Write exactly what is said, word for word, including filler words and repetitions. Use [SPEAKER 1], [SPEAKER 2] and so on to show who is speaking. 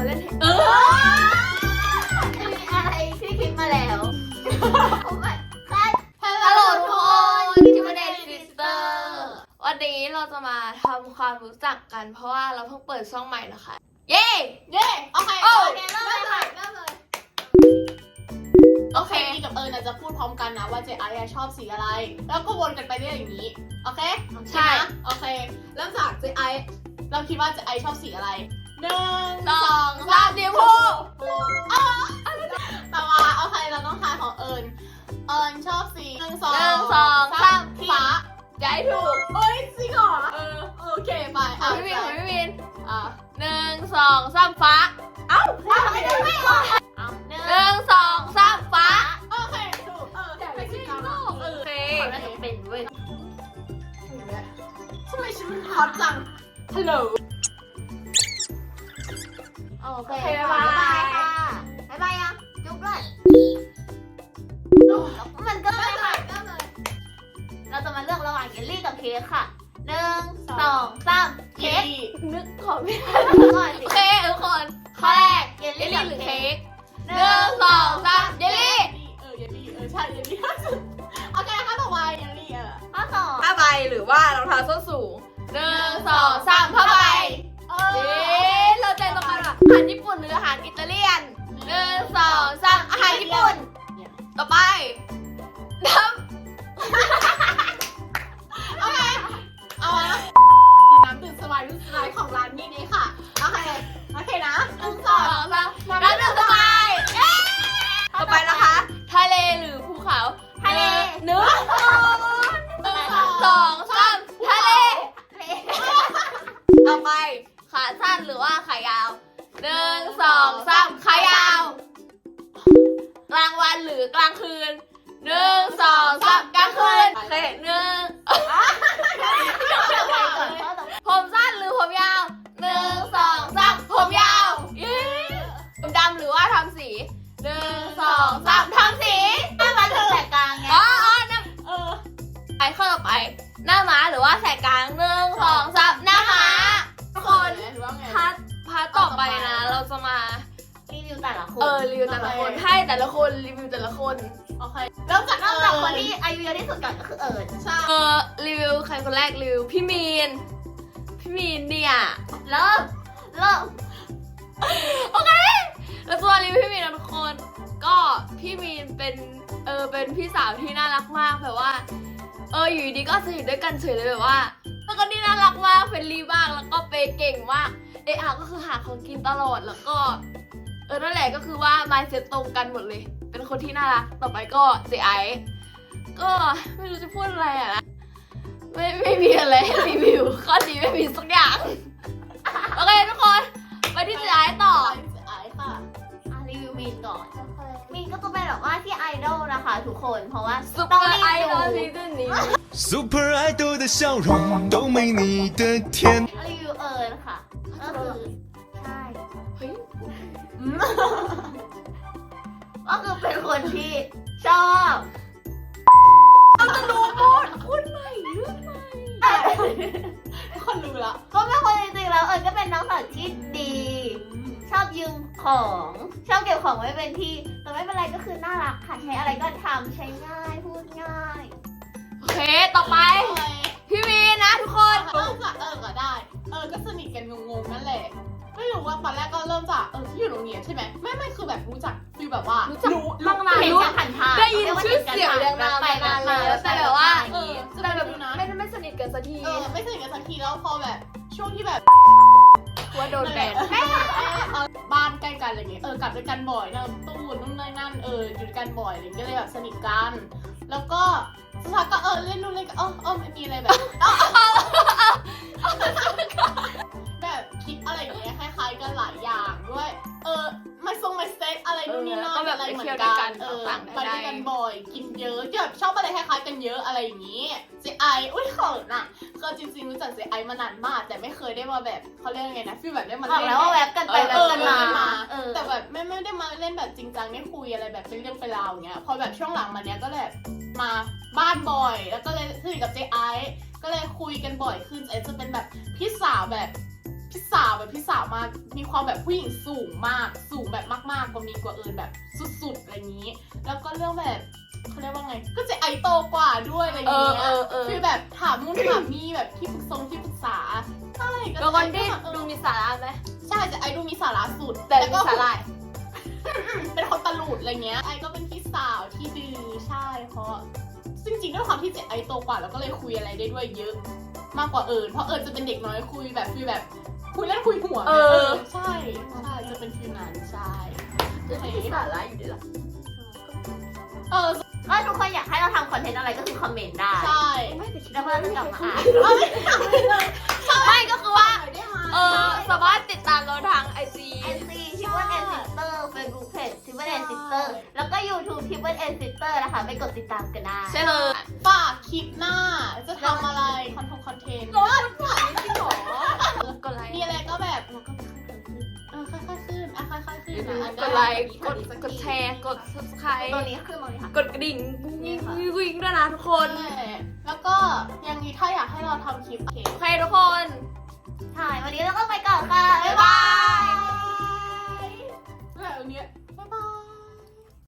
[SPEAKER 1] เล่น
[SPEAKER 2] เออ
[SPEAKER 3] มีอะไรที่คิดมาแล้วโอ้ my god
[SPEAKER 1] ฮัลโหลทุกคนที่มาเดนซิสเตอร์วันนี้เราจะมาทำความรู้จักกันเพราะว่าเราเพิ่งเปิดช่องใหม่นะคะเย้
[SPEAKER 2] เย้โอเค
[SPEAKER 1] โอ้
[SPEAKER 3] โอเคเริ่มเลยค่ะเริ่มเลย
[SPEAKER 2] โอเคอีกับเอิญจะพูดพร้อมกันนะว่าเจไอชอบสีอะไร แล้วก็วนกันไปเรื่อยอย่างนี้โอเค
[SPEAKER 1] ใช่
[SPEAKER 2] โอเคเริ่มจากเจไอเราคิดว่าเจไอชอบสีอะไรหนึ่ง
[SPEAKER 1] สองสามสีชมพู
[SPEAKER 2] ต่อมาโอเคเราต้องทายของเอิญเอิญชอบสีหนึ่งสอง
[SPEAKER 1] หนึ่งสองสาม
[SPEAKER 2] ฟ้า
[SPEAKER 1] ใจถูก
[SPEAKER 2] เฮ้ยจริงเหรอเออโอเคไป
[SPEAKER 1] ขอพี่วินขอพี่วิน
[SPEAKER 2] อ่ะ
[SPEAKER 1] หนึ่งสองสามฟ้า
[SPEAKER 2] เอ้า
[SPEAKER 3] เอาไม่ได้ไม่ออกเอาหนึ่ง
[SPEAKER 1] หนึ่งสองสามฟ้า
[SPEAKER 2] โอเคถูกเออไปสีขาวเอ
[SPEAKER 1] โอ
[SPEAKER 2] อ
[SPEAKER 1] เค
[SPEAKER 3] น่าจะเป็นเว้ย
[SPEAKER 2] ทำไมฉันมันฮอตจังฮัลโหล
[SPEAKER 3] โอเคบ๊ายบายค่ะบ๊ายบายยังจุ๊บเลยมันก็ไม่ค่ะเราจะมาเลือกระหว่างเยลลี่กับเค้กค่ะหนึ่งสองสามเค้ก
[SPEAKER 1] นึกขอไม่ได้
[SPEAKER 3] ก่อน
[SPEAKER 1] โอ
[SPEAKER 3] สิ
[SPEAKER 1] เคทุกคนข้อแรก
[SPEAKER 3] เยล
[SPEAKER 1] เยล
[SPEAKER 3] ลี่
[SPEAKER 1] ลี่
[SPEAKER 3] กับ
[SPEAKER 1] หรือ
[SPEAKER 3] เค้
[SPEAKER 1] เค้
[SPEAKER 3] ก
[SPEAKER 1] กหนึ่งสองสามเยลลี่
[SPEAKER 2] เออเยลลี่เออใช่เยลลี่โอเคค่ะต่อไปเยลลี่เออ
[SPEAKER 3] ข้อสอง
[SPEAKER 1] ผ้าใบหรือว่ารองเท้าส้นสูงหนึ่งสองสามผ้าใบ
[SPEAKER 2] เอ
[SPEAKER 1] เย้
[SPEAKER 2] อ
[SPEAKER 1] เราใจตรงกันว่ะอาหารญี่ปุ่นหรืออาหารอิตาเลียนหนึ่งสองสามอาหารญี่ปุ่นต่อไปน้
[SPEAKER 2] โอเคเอาละน้ำดื่มสบายรุ่นสบายของร้านนี้นี่ค่ะโอเคโอเคนะหนึ่ง
[SPEAKER 1] ำ
[SPEAKER 2] ส
[SPEAKER 1] ส
[SPEAKER 2] อ
[SPEAKER 1] อง งสามน้ำดื่มสบายเย้ต่อไปนะคะทะเลหรือภูเขา
[SPEAKER 3] ทะเล
[SPEAKER 1] หนึ่งสองสามทะเล ต่อไปขาสั้นหรือว่าขายาวหนึ่งสองสามขายาว กลางวันหรือกลางคืนหนึ่งสองสามกลางคืนโอเคหนึ่งผมสั้นหรือผมยาวหนึ่งสองสามผมยาวเย้ผมดำหรือว่าทำสีหนึ่งสองสามทำสี
[SPEAKER 3] ถ้ามาถึงแหลกกลางไง
[SPEAKER 1] อ๋ออ๋อน้
[SPEAKER 2] เออ
[SPEAKER 1] ำไปข้อต่อไป หน้าม้าหรือว่าแสกกลางหนึ่งสองสามหน้าม้าทุกคน
[SPEAKER 2] หรือว่าไง
[SPEAKER 1] พาร์ทพาร์ทต่อไปนะ เราจะมา
[SPEAKER 3] รีวิวแต่ละคน
[SPEAKER 1] เออรีวิวแต่ละคนให้แต่ละคนรีวิวแต่ละคน
[SPEAKER 2] โอเคเริ่มจาก
[SPEAKER 3] นอกจากคนที่อายุเยอะที่สุดก่อนก็คือเอิญ
[SPEAKER 2] ใช่
[SPEAKER 1] เออรีวิวใครคนแรกรีวิวพี่มีนพี่มีนเนี่ย
[SPEAKER 3] เริ่มเริ่ม
[SPEAKER 1] โอเคแล้วตัวรีวิวพี่มีนนะทุกคนก็พี่มีนเป็นเออเป็นพี่สาวที่น่ารักมากแบบว่าเอออยู่ดีก็สนิทด้วยกันเฉยเลยแบบว่าแล้วก็นี่น่ารักมากเฟรนลี่มากแล้วก็เปย์เก่งมากเออก็คือหาของกินตลอดแล้วก็เออนั่นแหละก็คือว่า mindset ตรงกันหมดเลยเป็นคนที่น่ารักต่อไปก็เจไอก็ไม่รู้จะพูดอะไรอะนะไม่ไม่มีอะไรให้รีวิวข้อดีไม่มีสักอย่าง โอเคทุกคนไปที่เจไอต่อ
[SPEAKER 2] ไอค่ะ
[SPEAKER 3] อ่ะรีวิวมีนก่อน มีนก็จะเป็นแบบว่าที่ไอดอลนะคะทุกคนเพราะว่า
[SPEAKER 1] ซุปเป
[SPEAKER 3] ต้อง
[SPEAKER 1] อ
[SPEAKER 3] รี
[SPEAKER 1] ร์ไอดอล
[SPEAKER 3] วิ
[SPEAKER 1] ซี
[SPEAKER 3] ว
[SPEAKER 1] ซั่นนี้
[SPEAKER 4] Super Idol 的笑容都没你的甜。
[SPEAKER 3] รีวิวเอิญค่ะก็คือใช่
[SPEAKER 1] เฮ้ย
[SPEAKER 3] ก็คือเป็นคนที่ชอบ
[SPEAKER 1] จะรู้หมดคุณใหม่เรื่องใหม่
[SPEAKER 2] ทุกคนรู้ละ
[SPEAKER 3] ก็เป็นคนจริงๆแล้วเอิญก็เป็นน้องสาวที่ดี ชอบยืมของชอบเก็บของไว้เป็นที่แต่ไม่เป็นไรก็คือน่ารักค่ะใช้อะไรก็ทำใช้ง่ายพูดง่าย
[SPEAKER 1] โอเคต่อไป พี่วีนะทุกคน
[SPEAKER 2] เริ่มจากเออก็ได้ เออก็สนิทกันงงๆนั่นแหละ ไม่รู้ว่าตอนแรกก็เริ่มจากเออที่อยู่โรงเรียนใช่ไหมไม่ไม่คือแบบรู้จักฟีลแบบว่า
[SPEAKER 1] รู้จัก
[SPEAKER 2] รู้
[SPEAKER 1] ตั้งนาน
[SPEAKER 3] เห็น
[SPEAKER 1] รู้
[SPEAKER 3] กันผ่านทาง
[SPEAKER 1] ได้ยินชื่อเสียงเรียงนามมานานแล้วแต่แบบว่า
[SPEAKER 2] เออจะ
[SPEAKER 1] แต่
[SPEAKER 2] แบ
[SPEAKER 1] แบบ บ
[SPEAKER 2] ดูนะ
[SPEAKER 1] ไม่ไม่สนิทกันสักที
[SPEAKER 2] เออไม่สนิทกันสักทีแล้วพอแบบช่วงที่แบบ
[SPEAKER 1] กลัวโดนแบน
[SPEAKER 2] แม่เออบ้านใกล้กันอะไรเงี้ยเออกลับด้วยกันบ่อยนะตู้นู่นนี่นั่นเอออยู่ด้วยกันบ่อยอะไรเงี้ยก็เลยแบบสนิทกัน แล้วก็สักพักก็เออเล่นนู่นเล่นกันเออเออไม่มีอะไรแบบ แบบคิดอะไรอย่างเงี้ยคล้ายๆกันหลายอย่างด้วย เออมาทรงมาสเต็กอะไรนู่นนี่นั่นอะไรเหมือนกันเออไปด้วยกันบ่อยกินเยอะแบบชอบอะไรคล้ายๆกันเยอะอะไรอย่างงี้เจไออุ้ยเขินอ่ะคือจริงๆรู้จักเจไอมานานมากแต่ไม่เคยได้มาแบบเขาเรียกไงนะฟีลแบบได้มา
[SPEAKER 3] บอก
[SPEAKER 2] เล่น
[SPEAKER 3] แล้วว่าแวบกันไปแวบกันมาเออ
[SPEAKER 2] แต่แบบไม่ไม่ได้มาเล่นแบบจริงจังได้คุยอะไรแบบเป็นเรื่องเป็นราวอย่างเงี้ยพอแบบช่วงหลังมาเนี้ยก็เลยมาบ้านบ่อยแล้วก็เลยสนิทกับเจไอก็เลยคุยกันบ่อยขึ้นเอจะเป็นแบบพี่สาวแบบพี่สาวแบบพี่สาวมากมีความแบบผู้หญิงสูงมากสูงแบบมากๆกว่ามีกว่าเอิญแบบสุดๆอะไรอย่างนี้ แล้วก็เรื่องแบบเขาเรียกว่าไงก็จะไอโตกว่าด้วยอะไรอย่าง
[SPEAKER 1] เออ
[SPEAKER 2] เงี้
[SPEAKER 1] เอย อเออ
[SPEAKER 2] คือแบบถามนู่นถามนี่แบบที่ปรึกษงที่ปรึกษาใช่
[SPEAKER 1] เป็นคนที่
[SPEAKER 2] เออ
[SPEAKER 1] ดูมีสาระไหม
[SPEAKER 2] ใช่จะไอดูมีสาระสุด
[SPEAKER 1] แต่
[SPEAKER 2] ล้ว
[SPEAKER 1] มี
[SPEAKER 2] ก็
[SPEAKER 1] สาระ
[SPEAKER 2] เป็นคนตลุดอะไรเงี้ยไอก็เป็นพี่สาวที่ดื้อใช่เพราะจริงๆด้วยความที่เจไอโตกว่าแล้วก็เลยคุยอะไรได้ด้วยเยอะ มากกว่าเอิญเพราะเอิญจะเป็นเด็กน้อยคุยแบบฟีลแบบคุยเล่นคุยหัว
[SPEAKER 1] เออ
[SPEAKER 2] ใช่ใช่จะเป็นฟีลนั้นใช่
[SPEAKER 1] จะมีสาระอยู่ดีหรอ
[SPEAKER 2] เออ
[SPEAKER 3] ก็ทุกคนอยากให้เราทำคอนเทนต์อะไรก็คือคอมเมนต์ได้
[SPEAKER 2] ใช่
[SPEAKER 3] แล้วเราจะกลับมาอ่าน
[SPEAKER 2] เอาไม่ทำเลยเลย
[SPEAKER 1] ไม่ก็คือว่า
[SPEAKER 2] ได้ไหม
[SPEAKER 1] เออสามารถติดตามเราทางไอจี
[SPEAKER 3] ไอซีทิปเปิลเอ็นซิสเตอร์เฟซบุ๊กเพจทิปเปิลเอ็นซิสเตอร์แล้วก็ยูทูบทิปเปิลเอ็นซิสเตอร์นะคะไปกดติดตามกันได้
[SPEAKER 1] ใช่เลย
[SPEAKER 2] ฝากคลิปหน้าจะทำอะไรคอนเทนต์คอนเทนต์
[SPEAKER 1] รถผ่านจริงหรอกดไลค์
[SPEAKER 2] มีอะไรก็แบบ
[SPEAKER 3] แล้วก็
[SPEAKER 2] เอ
[SPEAKER 3] ค่อยๆขึ้น
[SPEAKER 2] อค่อยๆขึ้นอ่ะค่อยๆขึ้น
[SPEAKER 1] ก
[SPEAKER 2] อ่ะ
[SPEAKER 1] ดไลค์กดกดแชร์กด subscribe
[SPEAKER 3] ตัวนี้ขึ้นตรงนี้ค่ะ
[SPEAKER 1] กดกระดิ่งวิ่งวิ่งด้วยนะทุกคน
[SPEAKER 2] ใช่แล้วก็ยังนี้ถ้าอยากให้เราทำคลิปเค
[SPEAKER 1] โอเคทุกคน
[SPEAKER 3] ใช่ วันนี้เราก็ไปก่อนค่ะ